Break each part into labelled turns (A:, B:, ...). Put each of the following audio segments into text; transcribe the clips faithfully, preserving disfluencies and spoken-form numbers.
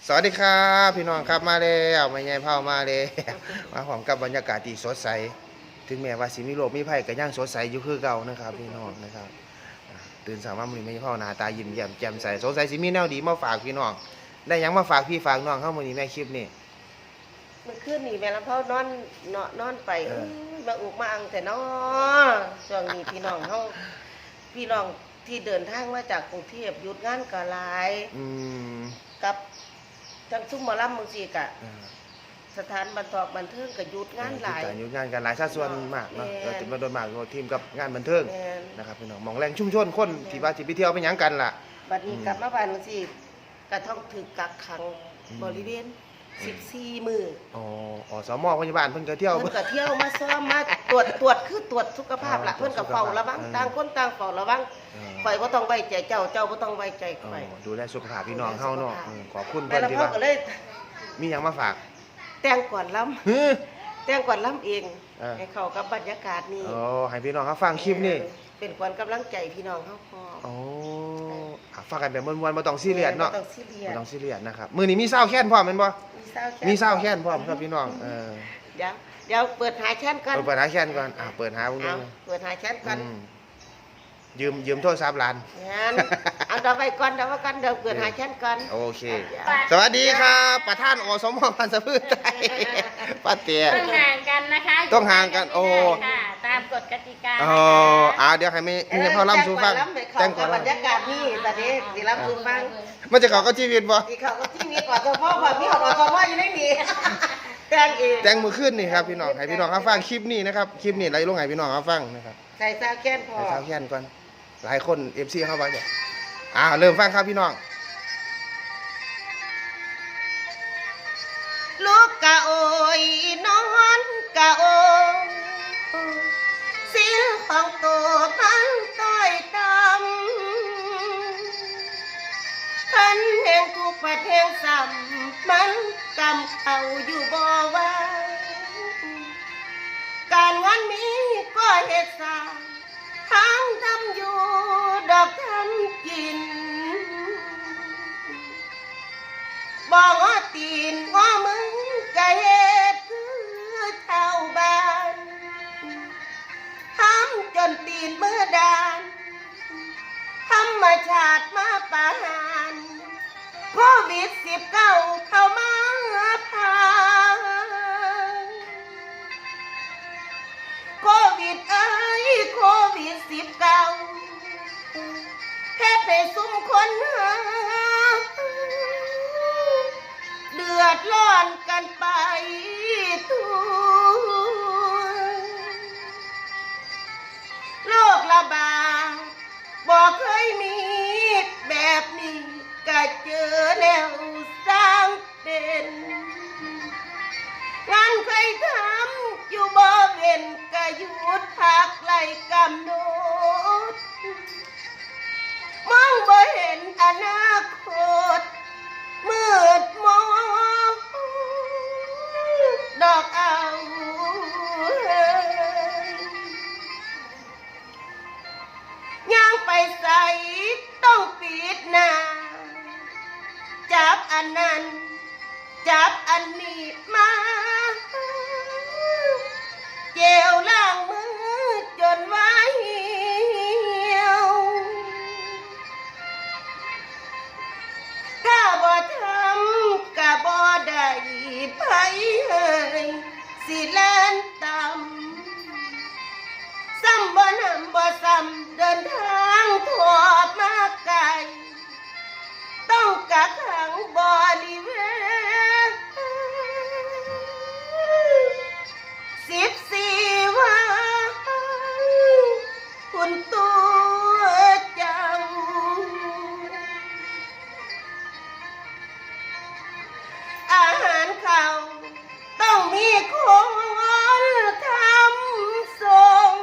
A: สวัสดีครับพี่น้องครับมาแล้วไม่ใหญ่เผามาเลยมาพร้อมกับบรรยากาศที่สดใสถึงแม้ว่าสิมีโรคมีภัยก็ยังสดใสอยู่คือเก่านะครับพี่น้องนะครับตื่นสายมามื้อนี้ไม่ใช่เผาหน้าตายิ้มแย้มแจ่มใสสงสัยสิมีแนวดีมาฝากพี่น้องได้ยังมาฝากพี่ฝากน้องเข้ามื้อนี้แม่คลิปนี่
B: มันขึ้นนี่แม่ลำเผานอนเนาะนอนไปเอ้ยมาอุกมาอังแต่เนาะช่วงนี้พี่น้องเฮาพี่น้องที่เดินทางมาจากกรุงเทพหยุดงานก็หลาย
A: อืม
B: กับทั้งซุ้มหมอลำบางทีกะ
A: เออ
B: สถานบันทอกบันเทิงก็หยุดงานหลาย
A: การอยู่งานกันหลายสัดส่วนมากเนาะ
B: แม่น
A: เราจะมาโดนมากทีมกับงานบันเทิง
B: แม่น
A: นะครับพี่น้องมองแรงชุ่มชนคนที่ว่าสิไปเที่ยวไปหยังกันล่ะ
B: บัดนี้
A: อืม
B: กลับมาบ้านบางทีก็ต้องถูกกักขัง
A: อืม
B: บริเวณสิบสี่มื้อ
A: อ๋ออ๋อสมพยาบาลเพิ่นก็เที่ยว
B: เพิ่นก็เที่ยวมาซ้อมมาตรวจตรวจคือตรวจสุขภาพล่ะ
A: อ๋อ
B: เพิ่นก็เฝ้าระวัง
A: เออ
B: ต่างคนต่างเฝ้าระวัง
A: เออ
B: ข่อยบ่ต้องไว้ใจเจ้าเจ้าบ่ต้องไว้ใจ
A: อ๋อ
B: ข่อย
A: ดูแลสุขภาพพี่น้องเฮาเนาะอืมขอบคุณ
B: แม่
A: เพิ่น
B: ละ
A: ที่
B: พ่อ
A: ว่า
B: ก็เลย
A: มีหยังมาฝาก
B: แต่งก่อนล้ำ
A: ฮึ
B: แต่งก่อนล้ำเอง
A: เออ
B: ให้เข้ากับบรรยากาศนี้
A: อ๋อให้พี่น้องเขาฟังคลิปนี่
B: เป็นขวัญกำลังใจพี่น้องเฮาพอ
A: อ๋ออ่ะฟังกันแบบม่วนๆบ่ต้องซีเรียสเนาะ
B: บ่ต้องซีเรีย
A: บ่
B: ส
A: ต้องซีเรียสนะครับมื้อนี้มีซาวแค้นพร้อมแม่นบ่
B: มีเศร้าแค่
A: มีซาวแค้นพร้อมครับพี่น้องเออ
B: เดี๋ยวเดี๋ยวเปิดหาแชนก่อน
A: เปิดเปิดหาแค้นก่อนอ่ะเปิดหาเบิ่งดู
B: เอาเปิดหาแชนก่อน
A: อืมยืมยืมโทรศัพท์หลาน
B: งั้นเอาเดี๋ยวไว้ก่อนเดี๋ยวไว้ก่อนเดี๋ยวเปิดหาแชนก่อน
A: โอเค สวัสดีครับประธานอสมพันธ์สะพืชไทยป้าเตี้ย
C: ต้องห่างกันนะคะ
A: ต้องห่างกันโอ้
C: ค่ะตามกฎกติกา
A: อ๋ออ่าเดี๋ยวให้แม่แม่พ่อล่ำสู่ฟัง
B: แต่
A: แต่
B: ง
A: ง
B: ก่
A: ก่
B: อ
A: อน น
B: ล้ำให้เข้ากับบรรยากาศนี้ตอนนี้สิล้ำสู่ฟัง
A: มันจะเข้ากับชีวิตบ่
B: ที่เขาก็ที่มีก่อนตัวพ่อก่อนพี่เขาก่อนตัวพ่ออยู่ในนี้แต่งเอง
A: แต่งมือขึ้นนี่ครับพี่น้องให้พี่น้องเขาฟังคลิปนี้นะครับคลิปนี้ไรลงให้พี่น้องเขาฟังนะครับ
B: ใส่ซาวแค้นพอ
A: ให้เขาแค้นก่อนหลายคนเอฟซีเข้าไปเนี่ยอ่าเริ่มฟังครับพี่น้อง
B: ลูกกะโอยนอนกะโอยสิลของตัวมันต้อยดำพันแห่งทุกประเทศซ้ำมันกำเขาอยู่บ่ไหว่าการงานมีก็เหตุสร้างทางทำอยู่ดอกทำกินบอกว่าตีนว่ามึงกะเหตุคือชาวบ้านทำจนตีนมือดานธรรมชาติมาปาหารโควิดสิบเก้าเข้ามาพาโควิดเอ้ยโควิดสิบเก้าแค่ไปซุ่มคนหาเดือดร้อนกันไปทั่วโรคระบาดบอกเคยมีแบบนี้ก็เจอแล้วสร้างเป็นงานเคยทำอยู่บ่เว้นก็หยุดพักไล่กำหนดมองบ่เห็นอนาคตมืดมองดอกเอาย่างไปใส่ต้องปิดหน้าจับอันนั้นจับอันนี้มาเจลล้างมือจนไว้เหี่ยวถ้าบ่ทำก็บ่ได้ไผเอ่ยสิแล่นตำซ้ำบ่นำบ่ซ้ำเดินทางทั่วมาไกลต้องกักขังบริเวณสิบสี่วันคุณตัวเจ้าอาหารเขาต้องมีคนทำส่ง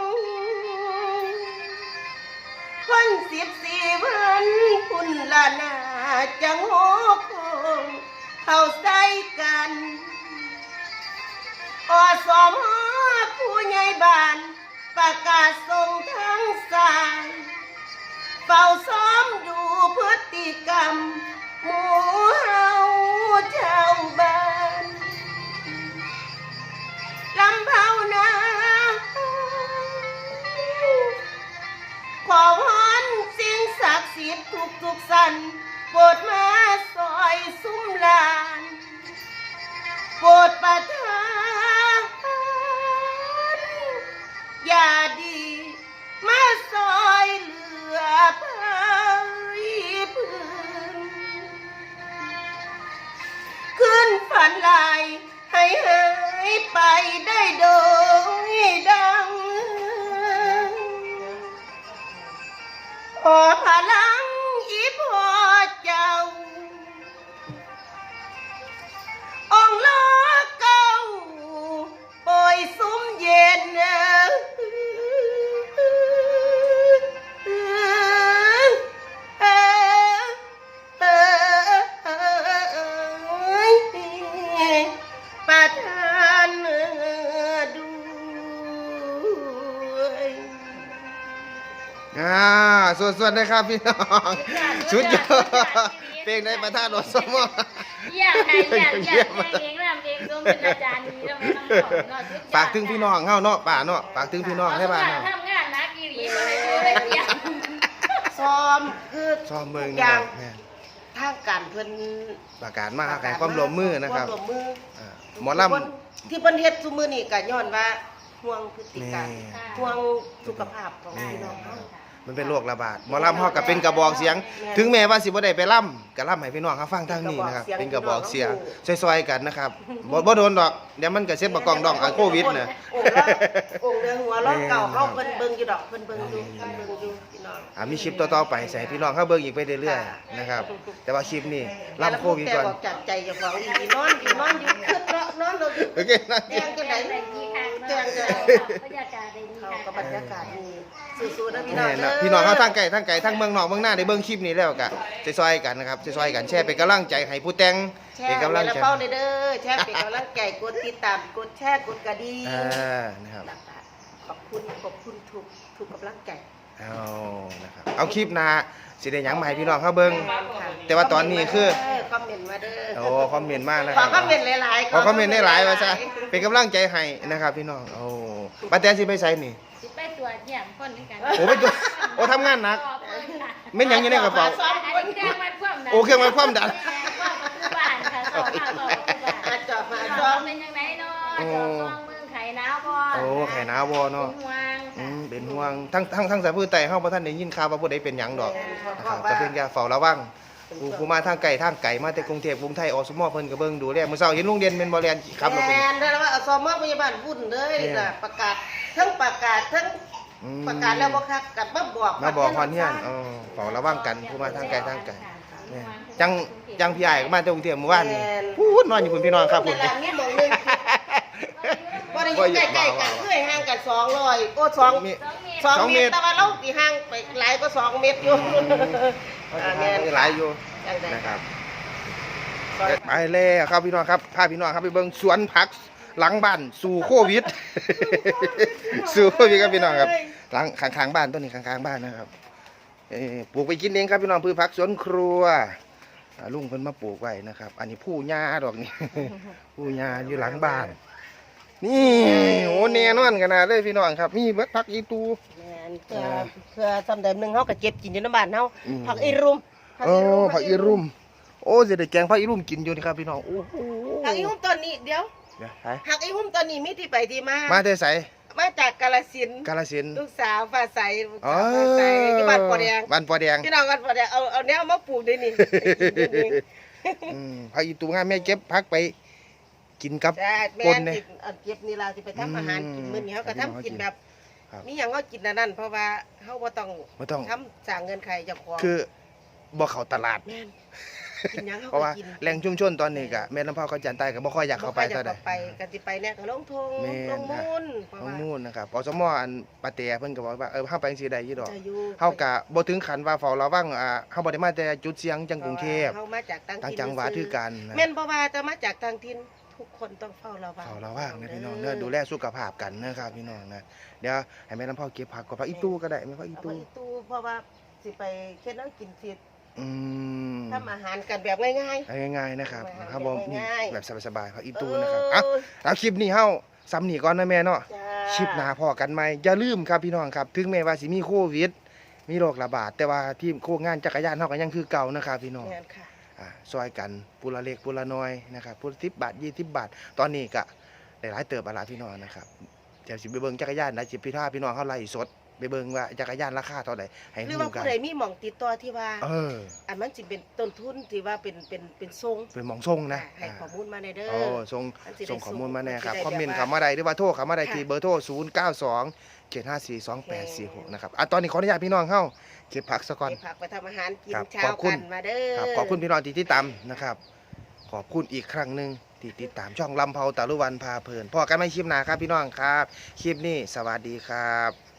B: คนสิบสี่วันคุณละนาจังโหคงเข้าใส่กันอสมผู้ใหญ่บ้านประกาศส่งทั้งสายเฝ้าซ้อมดูพฤติกรรมหมู่เฮาฝันลายให้หายไปได้โดยดังขอพลังอีพ่อเจ้าองค์ล้อเก่าปล่อยซุ้มเย็นประทานด้วย
A: อ่าสวดๆนะครับพี่น้องชุดยอดเพลงในประธานอสม
C: เยี่ยมค่ะเยี่ยมเยี่ยมเองรำเองรวมเป็นอาจารย์ดีแล้วมันน้ำหอมเนาะสุดยอด
A: ฝากถึงพี่น้องเฮาเนาะป่าเนาะฝากถึงพี่น้องให้บ้าน
C: เนาะ
A: เนาะ
C: ทำงานนักกีรีมาเลยเลยเยี่ยม
B: ซ้อมคือ
A: ชอบเมือง
B: ทุก
A: นะ
B: อ
A: ค
B: ย่า
A: รั
B: ง
A: บแม่น
B: ทางการเพิ่น
A: ประกาศมาให้ความร่วมมือนะครับ
B: วามวมมือ
A: อ่าหมอลำ
B: ที่เพิ่นเฮ็ดซุมื้อนี้ก็ย้อนว่าห่วงพฤติกรรม
A: แม่
B: ห่วงสุขภาพของพี่น้องเฮา
A: มันเป็นโรคระบาดหมอลำเฮาก็เป็นกระบอกเสียง ถึงแม้ว่าสิบ่ได้ไปล่ำก็ล่ำให้พี่น้องเขาฟังทางนี้นะครับเป็นกระบอกเสียงซอยๆกันนะครับบ่บ่โดนดอกเดี๋ยวมันก็เซ็ตบ่กล้องดองกับโควิดน่ะ
B: องค์ละองค์เรือหัวล้อเก่าเฮาเพิ่นเบิ่งอยู่ดอกเพิ่นเบิ่งอยู่เพิ่นเบิ่งอยู่พี่น้อง
A: อ่ามีคลิปต่อๆไปใส่พี่น้องเขาเบิ่งอีกไปเรื่อยๆนะครับ แต่ว่าคลิปนี้ล่ำโควิดก่อน
B: แต่บอกจากใจเจ้าของอีนอนอยู่นอนอยู่คึดเนาะนอนเราอยู่
A: โอเคนะ
B: แดงจังได๋
C: ได้ดีค่ะ
B: แดงจังได๋
C: บรรยากาศได้ดี
B: เขา
C: ค่ะ
B: ก็บรรยากาศดีสู้ๆนะพี่น้อง
A: แน่
B: เด้
A: นะ
B: อ
A: พี่น้องเขาทั้งไก่ทั้งไก่ทั้งเมืองนอกเมืองหน้าได้เบิ่งคลิปนี้แล้วก็ซอยๆกันนะครับซอยๆกันแชร์เป็นกำลังใจให้ผู้แต่ง
B: แช
A: เป็น
B: ร์
A: กำลัง
B: ใน
A: ใจ
B: เป้าเลยเด้อแชร์เป็นกำลังใจกดติดตามกดแชร์กดกระดิ่ง
A: อ่านะครับ
B: ขอบคุณขอบคุณทุกทุกกำลังใจ
A: เอานะครับเอาคลิปหน้าสิได้หยังมาให้พี่น้องเขาเบิ่ง แต่ว่าตอนนี้คือ
B: คอมเมนต์มาเด้อ
A: โอ้คอมเมนต์มากนะ
B: ข
A: ค
B: อ
A: รับ
B: คอมเมนต์หลายๆ
A: ขอคอมเมนต์ได้หลายว่าซะเป็นกำลังใจให้นะครับพี่น้องโอ้ป้าแตนสิไปไสนี่
C: สิไปตรวจเยี่ยมคนนึงกัน
A: โอ้ไปดูโอ้ทำงานหนักแม่นหยังอยู่ในกระเป๋า
C: ซ้อมคนเครื่องวัดความดัน
A: โอ้เครื่องวัดความดัน
C: บ้านค่ะสอบข่าวสอบบ้าน
B: มาจอบมา
C: ส
B: จ
C: อ
B: อ
C: บบ เป็นยังไงเนาะจอบฟองเมืองไข่หนาวบ่
A: โอ้ไข่หนาวบ่เนาะ
C: ห่วง
A: อืมเป็นห่วงทั้งทั้งทั้งสายพื้นไต่เฮาบ่ทันได้ยินข่าวว่าผู้ใดเป็นหยังดอกนะครับก็เพิ่นอย่าเฝ้าระวังผู้ผู้มาทางไกลทางไกลมาแต่กรุงเทพกรุงไทยอสมเพิ่นก็เบิ่งดูแลมื้อเช้าเห็นลุงเด่นแม่นบ่แล่นขับรถ
B: แม
A: เป็น
B: นได้แล้วว่าเอาซอมอพยาบาลวุ่นเลยน่ะประกาศทั้งประกาศทั้ง
A: อืม
B: ประกาศแล้วบ่คักกับมาบอก
A: มาบอกฮอนเฮียนเออเฝ้าระวังกันผู้มาทางไกลทางไกลเนี่ยจังจังพี่อ้ายก็มาจากกรุงเทพเมื่อวานนี่พูดนอนอยู่พุ่นพี่น้องครับพุ่
B: นั่
A: น
B: นล่ะมีหม่องหนึงบ่ได้อยู่ใกล้ๆกันเคยห่างกันสองร้อยโอ้สอง
A: มี
B: สอง
A: สอง
B: เม
A: เม
B: ต
A: ต
B: ร
A: ร
B: แต่ว่าเราสิห่างไปหลายกว่าสองเมตรอยู่อ่าแม่น
A: หลายอยู่
B: จังได๋
A: นะครับไปแล้วครับพี่น้องครับพาพี่น้องครับไปเบิ่งสวนผักหลังบ้านสู่โควิด สู่โควิดครับพี่น้องครับหลังข้างๆบ้านต้นนี้ข้างๆบ้านนะครับเอ่อปลูกไปกินเองครับพี่น้องพืชผักสวนครัวอ่าลุงเพิ่นมาปลูกไว้นะครับ อันนี้ผู้หญ้าดอกนี่ ผู้หญ้าอยู่หลังบ้าน นี่โอ้แน่นอนขนาดเลยพี่น้องครับมีเบิดผักอีตู
B: แม่นเพื่อเพื่อซำใดหนึงเฮาก็เก็บกินอยู่ในบ้านเฮา
A: อืม
B: ผักอีรุม
A: โอ้ผักอีรุ่มโอ้สิได้แกงผักอีรุ่มกินอยู่นี่ครับพี่น้องโอ้โห
B: ผักอีหุ่มตอนนี้เดี๋ยว
A: เดี๋ยวไป
B: ผักอีหุ่มตอนนี้มีที่ไปที่มา
A: มาแต่ไส
B: มาจากกาฬสินธุ์
A: กาฬสินธุ์
B: ลูกสาวฟ้าใสลูก
A: อ๋อ
B: สาวฟ้าใสที่บ้านปอแดง
A: บ้านปอแดง
B: พี่น้องกันปอแดงเอาเอาแนวมาปลูกด้วยนี่
A: อืมผักอีตูงามแม่เก็บผักไปกินกับ
B: จ้าแม่
A: ปน
B: น
A: เนี่ย
B: สิเอาเก็บนี่ล่ะสิไปทำอาหารกินมื้อนี้เฮาก็ทำกินแบบ
A: ครับ
B: มีหยังเฮากินอันนั้นเพราะว่าเฮาบ่ต้อง
A: บ่ต้อง
B: ทำสร้างเงินใครเจ้าของ
A: คือบ่เข้าตลาด
B: แม่นกินหยังเฮา
A: เพราะ
B: ก็
A: ว่า
B: กิน
A: แหล่งชุมชนตอนนี้ก็แม่ลำพาวเขาจันใต้ก็บ่ค่อยอยากเข้าไป
B: บ่ค่
A: เท่า
B: อย
A: ใด
B: จะไปกันสิไปเนี่ยก็ลงทง
A: แม่น
B: ลงมูลเพราะ
A: น้อง
B: ว่า
A: มูลนะครับอสมอันปาเตเพิ่นก็บอกว่าเออเฮาไปจังซี่ได้อยู่ดอก
B: จะอยู่
A: เฮาก็บ่ถึงขั้นว่าเฝ้าระวังอ่าเฮาบ่ได้มาแต่จุดเสี่ยงจังกรุงเทพ
B: เฮามาจากต่าง
A: ต่าง
B: ถิ่น
A: จังหวัดคือกันนะ
B: แม่นบ่ว่าจะมาจากต่างถิ่นทุกคนต้องเฝ้าระวัง
A: เฝ้าระวังนะพี่น้องเด้อดูแลสุขภาพกันนะครับพี่น้องนะเดี๋ยวให้แม่ลำพาวเก็บผักกับผักอีตู้ก็ได้แม่ผักอี
B: เอาไป
A: ตู้
B: อีตู้เพราะว่าสิไปเฮ็ดแล้วกินสิ
A: อืม
B: ทำอาหารกันแบบง่าย
A: เอาง่ายๆนะครับ
B: ง่ายๆ
A: ครับผมนี่
B: ง่ายๆ
A: แบบสบายๆผักอี
B: ๆ
A: ตู้นะครับ
B: เอ
A: อ่ะ
B: อ
A: แล้วคลิปนี้เฮาซ้ำนี่ก่อนนะแม่เนาะ
B: จ้า
A: คลิปหน้าพอกันไหมอย่าลืมครับพี่น้องครับ ถึงแม้ว่าสิมีโควิด มีโรคระบาด แต่ว่าทีมโคงานจักรยานเฮาก็ยังคือเก่านะครับพี่น้อง
B: แม่นค่ะ
A: อ่าซอยกันปุละเล็กปุละน้อยนะครับปุละสิบบาทยี่สิบบาท ตอนนี้ก็ได้หลายเติบอะล่ะพี่น้องนะครับเดี๋ยวสิไปเบิ่งจักรยานนะสิพี่ท่าพี่น้องเฮาไล่สดไปเบิ่งว่าจักรยานราคาเท่าใดให้
B: หรือ
A: ฮู้
B: ว่า
A: กั
B: ผู้
A: น
B: ใดมีหม่องติดต่อที่ว่า
A: เออ
B: อันมันสิเป็นต้นทุนที่ว่าเป็นเป็นเป็นทรง
A: เป็นหมองส่งนะ
B: ให้ข้อมูลมาได้เด้อ
A: โอ้ส่ง
B: มันสิได้
A: ส่งข้อมูลมาแน่ครับ
B: ส่ง
A: คอมเมนต์
B: ได้แบบ
A: เข้ามาได้หรือว่าโทรเข้ามาได้
B: ค่ะ
A: ที่เบอร์โทรศูนย์ เก้า สอง เจ็ด ห้า สี่ สอง แปด สี่ หกนะครับอ่ะตอนนี้ขออนุญาตพี่น้องเฮาเก็บผักซะก่อน
B: ไปผักไปทำอาหารกิน
A: ครับ
B: เช้า
A: ขอบคุณ
B: กันมาเด้อ
A: ครับขอบคุณพี่น้องที่ติดตามนะครับ ขอบคุณอีกครั้งหนึ่งที่ติดตามช่องลำเพาตะลุวันพาเพลินพอกันไม่คลิปหนาครับพี่น้องครับ คลิปนี้สวัสดีครับ